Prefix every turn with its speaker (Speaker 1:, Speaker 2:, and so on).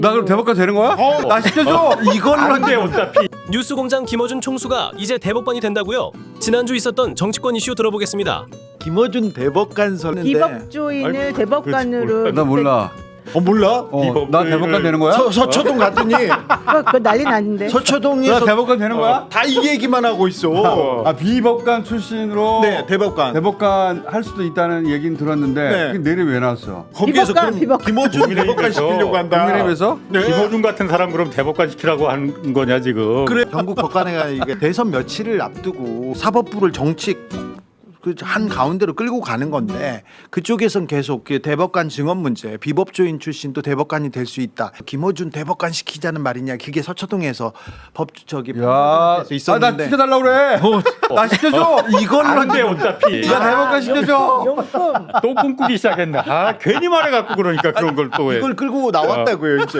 Speaker 1: 나 그럼 대법관 되는 거야? 나 시켜줘.
Speaker 2: 이걸로
Speaker 3: 안 돼, 어차피.
Speaker 4: 뉴스공장 김어준 총수가 이제 대법관이 된다고요? 지난주 있었던 정치권 이슈 들어보겠습니다.
Speaker 2: 김어준 대법관 서는데
Speaker 5: 비법조인을 대법관으로
Speaker 1: 나 몰라.
Speaker 2: 몰라?
Speaker 1: 나 대법관 되는 거야?
Speaker 2: 서초동 갔더니
Speaker 5: 그거 난리 났는데.
Speaker 1: 나
Speaker 2: 서초동에서
Speaker 1: 대법관 되는 거야?
Speaker 2: 다 이 얘기만 하고 있어.
Speaker 1: 아 비법관 출신으로
Speaker 2: 네, 대법관.
Speaker 1: 할 수도 있다는 얘기는 들었는데
Speaker 2: 네.
Speaker 1: 그게 내일 왜 나왔어?
Speaker 2: 거기에서
Speaker 5: 비법관,
Speaker 2: 그럼
Speaker 5: 비법관.
Speaker 2: 김어준 대법관 시키려고 한다.
Speaker 1: 국민의힘에서?
Speaker 2: 네.
Speaker 3: 김어준 같은 사람 그럼 대법관 시키라고 하는 거냐 지금?
Speaker 2: 그래 전국 법관회가 이게 대선 며칠을 앞두고 사법부를 정치 한 가운데로 끌고 가는 건데 그쪽에선 계속 그 대법관 증언 문제, 비법조인 출신도 대법관이 될 수 있다. 김어준 대법관 시키자는 말이냐? 그게 서초동에서
Speaker 1: 야,
Speaker 2: 있었는데.
Speaker 1: 나 시켜달라고 그래. 나 시켜줘.
Speaker 2: 이걸로
Speaker 3: 안 돼, 어차피.
Speaker 1: 나 대법관 시켜줘.
Speaker 5: 용품.
Speaker 3: 또 꿈꾸기 시작했나? 아, 괜히 말해갖고 그러니까 그런 걸 또 해.
Speaker 2: 이걸 끌고 나왔다고요, 이제.